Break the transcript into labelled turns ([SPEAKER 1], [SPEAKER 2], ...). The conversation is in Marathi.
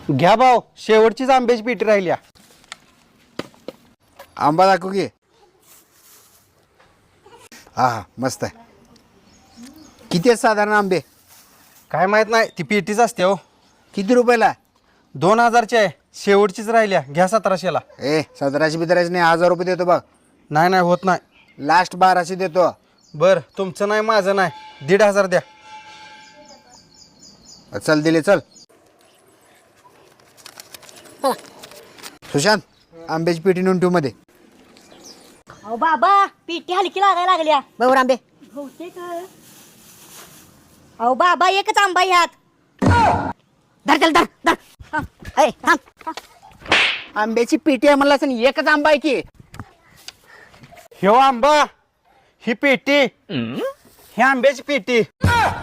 [SPEAKER 1] घ्या भाऊ, शेवटचीच आंब्याची पेटी राहिल्या.
[SPEAKER 2] आंबा दाखव की. हा मस्त आहे. किती आहेत साधारण आंबे?
[SPEAKER 1] काय माहित नाही, ती पेटीच असते हो.
[SPEAKER 2] किती रुपयाला?
[SPEAKER 1] 2000ची आहे, शेवटचीच राहिल्या. घ्या 1700ला.
[SPEAKER 2] 1700 बितरायचे नाही, 1000 रुपये देतो बघ.
[SPEAKER 1] नाही नाही होत नाही.
[SPEAKER 2] लास्ट 1200 देतो.
[SPEAKER 1] बर, तुमचं नाही माझं नाही, 1500 द्या.
[SPEAKER 2] चल दिले चल. सुशांत, आंब्याची पेटी नेऊन ठेव मध्ये.
[SPEAKER 3] अहो बाबा, पिठी हलकी लागायला लागल्या.
[SPEAKER 4] बरोबर आंबे.
[SPEAKER 3] बहुतेक अहो बाबा, एकच आंबा ह्यात.
[SPEAKER 4] धर चल धर धर. ए, थांब. आंब्याची पेटी आहे म्हणला असं एकच आंबा आहे की.
[SPEAKER 1] ह्यो आंबा, ही पेटी, ही आंब्याची पेटी.